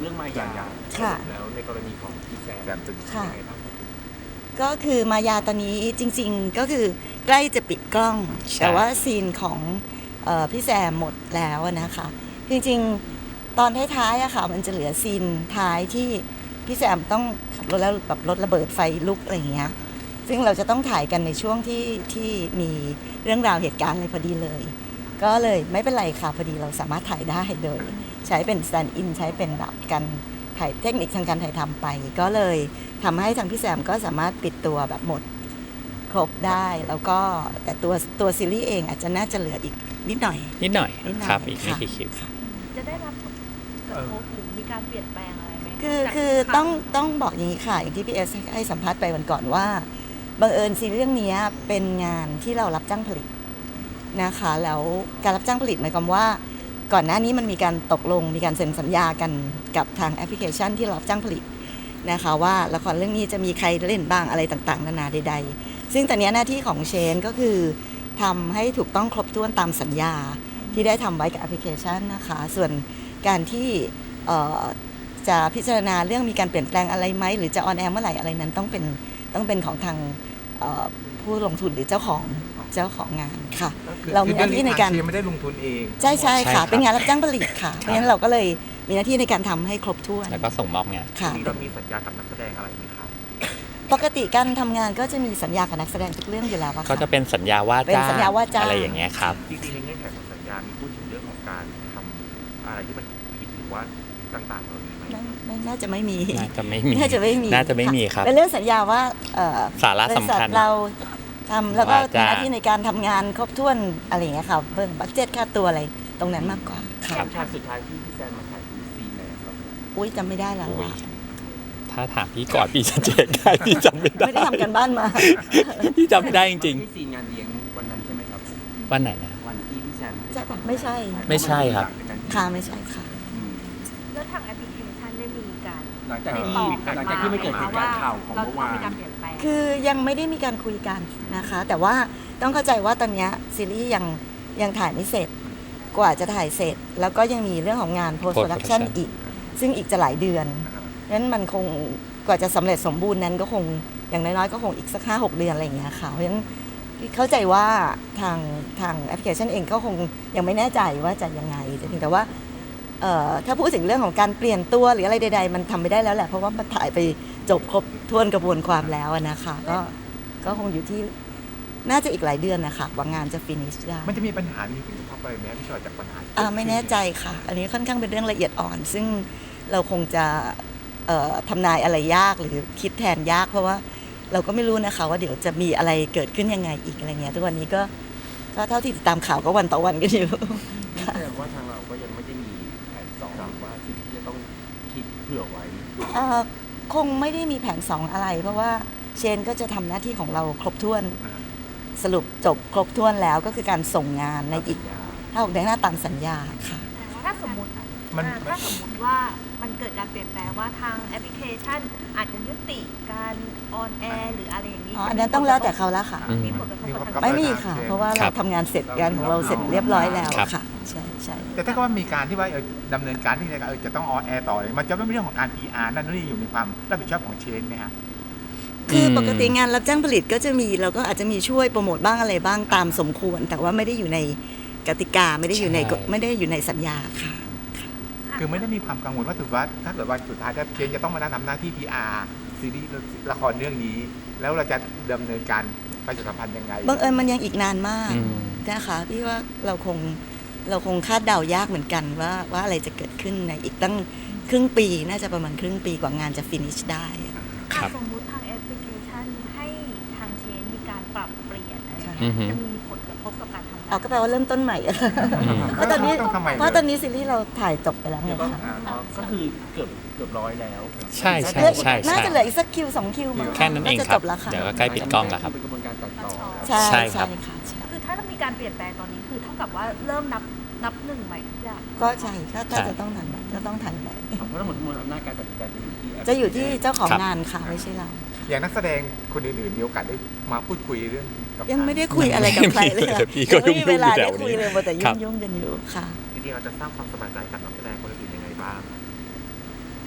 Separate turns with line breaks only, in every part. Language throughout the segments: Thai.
รื่องมายาแล้วในกรณีของพี่แซมเป็นยังไงบ้าง
ก็คือมายาตอนนี้จริงๆก็คือใกล้จะปิดกล้องแต่ว่าซีนของพี่แซมหมดแล้วนะคะจริงๆตอนท้ายๆอะค่ะมันจะเหลือซีนท้ายที่พี่แซมต้องขับรถแล้วแบบรถระเบิดไฟลุกอะไรอย่างเงี้ยซึ่งเราจะต้องถ่ายกันในช่วงที่มีเรื่องราวเหตุการณ์อะไรพอดีเลยก็เลยไม่เป็นไรค่ะพอดีเราสามารถถ่ายได้โดยใช้เป็นสแตนด์อินใช้เป็นแบบการถ่ายเทคนิคทางการถ่ายทำไปก็เลยทำให้ทางพี่แซมก็สามารถปิดตัวแบบหมดครบได้แล้วก็แต่ตัวซีรีส์เองอาจจะน่าจะเหลืออีกนิดหน่อย
ครับอีกไม่กี่คลิป
จะได้รับกระทบหรือมีการเปลี่ยนแปลงอะไรไหม
คือต้องบอกอย่างนี้ค่ะอย่างที่พี่เอสให้สัมภาษณ์ไปวันก่อนว่าบังเอิญซีรีส์เรื่องนี้เป็นงานที่เรารับจ้างผลิตนะคะแล้วการรับจ้างผลิตหมายความว่าก่อนหน้านี้มันมีการตกลงมีการเซ็นสัญญากันกับทางแอปพลิเคชันที่รับจ้างผลิตนะคะว่าละครเรื่องนี้จะมีใครเล่นบ้างอะไรต่างๆนานาใดๆซึ่งตอนนี้หน้าที่ของเชนก็คือทำให้ถูกต้องครบถ้วนตามสัญญาที่ได้ทำไว้กับแอปพลิเคชันนะคะส่วนการที่จะพิจารณาเรื่องมีการเปลี่ยนแปลงอะไรไหมหรือจะออนแอร์เมื่อไหร่อะไรนั้นต้องเป็นของทางผู้ลงทุนหรือเจ้าของงานค่ะเรามีหน้าที่ในการ
ไม่ได้ลงทุนเอง
ใช่ค่ะเป็นงานรับจ้างผลิตค่ะเพราะฉะนั้นเราก็เลยมีหน้าที่ในการทำให้ครบถ้วน
แล้วก็ส่งมอบงาน
ค่ะ
เรามีสัญญากับนักแสดงอะไรไหมครับ
ปกติการทำงานก็จะมีสัญญากับนักแสดงทุกเรื่องอยู่แล้วค่ะ
ก็จะเป็นสัญญาว่าจ้างอะไรอย่างเงี้ยครับ
จริงๆในเงื่อนไขของสัญญามีพูดถึงเรื่องของการทำอะไรที่มันผิดหรือว่าต่างๆ
ไม่น่าจะไม่มี
น่าจะไม่มีครับ
เป็นเรื่องสัญญาว่า
สาระสำคัญ
เราทำแล้วก็หน้าที่ในการทำงานครบถ้วนอะไรอย่างเงี้ยค่ะเบิ่งบัดเจ็ตค่าตัวอะไรตรงนั้นมากกว่า
ค่ะฉากสุดท้ายที่พี่แซมมาถ่ายคือซีนไหนครับ
อุ้ยจำไม่ได้แล้ว
ถ้าถามพี่ก่อนพี่จะเจ๊ได้พี่จำไม่ได้
ไม่ได้ทำกันบ้านมา
พี่จำไม่ได้จริง
ๆที่ซีนงานเลี้ยงวันนั้นใช่ไหมครับ
วันไหนนะ
วันที่พี่แซม
ไม่ใช่
ครับ
ค่ะไม่ใช่ค่ะ
แล้วทางแอปพลิเคชันได้มีการ
หลังจากที่ไม่เกิดเหตุการณ์ข่าวของเมื่อวาน
คือยังไม่ได้มีการคุยกันนะคะแต่ว่าต้องเข้าใจว่าตอนนี้ซีรีส์ยังถ่ายไม่เสร็จกว่าจะถ่ายเสร็จแล้วก็ยังมีเรื่องของงาน post production อีกซึ่งอีกจะหลายเดือนนั้นมันคงกว่าจะสำเร็จสมบูรณ์นั้นก็คงอย่างน้อยๆก็คงอีกสัก 5-6 เดือนอะไรอย่างเงี้ยค่ะเพราะฉะนั้นเข้าใจว่าทางแอปพลิเคชันเองก็คงยังไม่แน่ใจว่าจะยังไงแต่เพียงแต่ว่าถ้าพูดถึงเรื่องของการเปลี่ยนตัวหรืออะไรใดๆมันทำไม่ได้แล้วแหละเพราะว่ามันถ่ายไปจบครบถ้วนกระบวนความแล้วนะคะก็คงอยู่ที่น่าจะอีกหลายเดือนนะคะว่างานจะฟินิชได้
มันจะมีปัญหามีผลกระทบอะไรไหมพี่ชอยจากปัญหา
ไม่แน่ใจค่ะอันนี้ค่อนข้างเป็นเรื่องละเอียดอ่อนซึ่งเราคงจะทำนายอะไรยากหรือคิดแทนยากเพราะว่าเราก็ไม่รู้นะคะว่าเดี๋ยวจะมีอะไรเกิดขึ้นยังไงอีกอะไรเงี้ยทุกวันนี้ก็เท่าที่ติดตามข่าวก็วันต่อวันกันอยู่
แสดงว่าทางเราก็ยังไม่ได้มีแผนสองว่าสิ่งที่จะต้องคิดเผื่อไว้
คงไม่ได้มีแผน2อะไรเพราะว่าเชนก็จะทำหน้าที่ของเราครบถ้วนสรุปจบครบถ้วนแล้วก็คือการส่งงานในอีก5-6 เดือนหน้าตามสัญญาค่ะ
ถ้าสมมติว่ามันเกิดการเปลี่ยนแปลงว่าทางแอปพลิเคชันอาจจะยุติการออนแอร์หรืออะไรอย่างนี้
อันนั้นต้องแล้วแต่เขาแล้วค่ะ
มีผลกระทบ
ไม่มีค่ะเพราะว่าเราทำงานเสร็จงานของเราเสร็จเรียบร้อยแล้วค่ะใช่
แต่ถ้าก็ว่ามีการที่ว่าดำเนินการที่จะต้องออนแอร์ต่อเลยมันจะไม่เป็นเรื่องของการ PR นั่นนี่อยู่ในความรับผิดชอบของเชนไหมฮะ
คือปกติงานรับจ้างผลิตก็จะมีเราก็อาจจะมีช่วยโปรโมทบ้างอะไรบ้างตามสมควรแต่ว่าไม่ได้อยู่ในกติกาไม่ได้อยู่ในสัญญาค่ะ
คือไม่ได้มีความกังวลว่าถือว่าถ้าเกิดว่าสุดท้ายถ้าเชนจะต้องมาทำหน้าที่ PR ซีรีส์ละครเรื่องนี้แล้วเราจะดำเนินการประชาสัมพันธ์ยังไง
บังเอิญมันยังอีกนานมากนะคะพี่ว่าเราคงคาดเดายากเหมือนกันว่าอะไรจะเกิดขึ้นในอีกตั้งครึ่งปีน่าจะประมาณครึ่งปีกว่างานจะฟินิชได้
สมมุติทางแอปพลิเคชันให้ทางเชนมีการปรับเปลี่ยนอะไรจะมีผลกระทบกับการทำงาน
ก็แปลว่าเริ่มต้นใหม่เพราะตอนนี้ซีรีส์เราถ่ายจบไปแล้วไงคะ
ก็คือเกือบร้อยแล้ว
ใช่
น่าจะเหลืออีกสักคิว2 คิว
แค่นั้นเองครับเดี๋ยวก็ใกล้ปิดกล้องแล้วครับ
เป็นกระบวนการตัดต่อ
ใช่ครับ
คือถ้ามีการเปลี่ยนแปลงตอนนี้คือเท่ากับว่าเริ่มนับหนึ่งใหม่ทุกอย่าง
ก็ใช่ถ้าจะต้องทันก็ต้องทันไป
เพราะทั้งหมดมวลอำนาจการตัดสินใจ
จะอยู่ที่เจ้าของงานค่ะไม่ใช่เรา
อย่างนักแสดงคนอื่นๆมีโอกาสได้มาพูดคุยเรื่อง
ยังไม่ได้คุยอะไรกับใครเลยไม่มีเวลาได้คุยเลยแต่ยุ่งกันอยู่ค่ะ
จริงๆเราจะสร้างความสบายใจกับนักแสดงคนอื่นยังไงบ้าง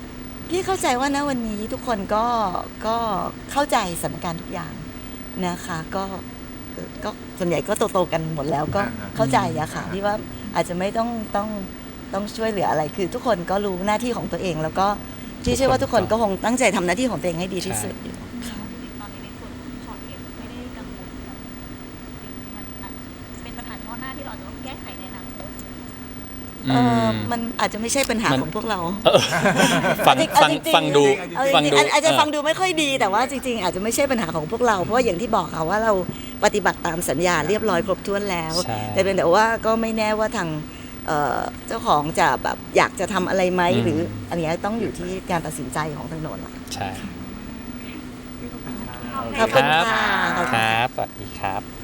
พี่เข้าใจว่าณวันนี้ทุกคนก็เข้าใจสถานการณ์ทุกอย่างนะคะก็ส่วนใหญ่ก็โตๆกันหมดแล้วก็เข้าใจอะค่ะที่ว่าอาจจะไม่ต้องช่วยเหลืออะไรคือทุกคนก็รู้หน้าที่ของตัวเอง แล้วก็ที่เชื่อว่าทุกคนก็คงตั้งใจทำหน้าที่ของตัวเองให้ดีที่สุดอยู่
ตอนนี้ในส่วนของช็อตเองไม่ได้กังวลกับสิ่งที่มันอาจเป็นปัญหาเฉพาะหน้าที่เราอาจจะต้องแก้ไขในอนาคต
มันอาจจะไม่ใช่ปัญหาของพวกเรา
ฟัง
เอาจริงๆ
ฟังดู
เอาจ
ฟัง
ริง
ดู
ๆอาจจะฟังดูไม่ค่อยดีแต่ว่าจริงๆอาจจะไม่ใช่ปัญหาของพวกเราเพราะว่าอย่างที่บอกค่ะว่าเราปฏิบัติตามสัญญาเรียบร้อยครบถ้วนแล้ว
ใช่
แต่เป็นแต่ว่าก็ไม่แน่ว่าทางเจ้าของจะแบบอยากจะทำอะไรไหมหรืออันนี้ต้องอยู่ที่การตัดสินใจของทางโน้นละ
ใช่
ขอบคุณค่ะ
ครับสวัสดีครับ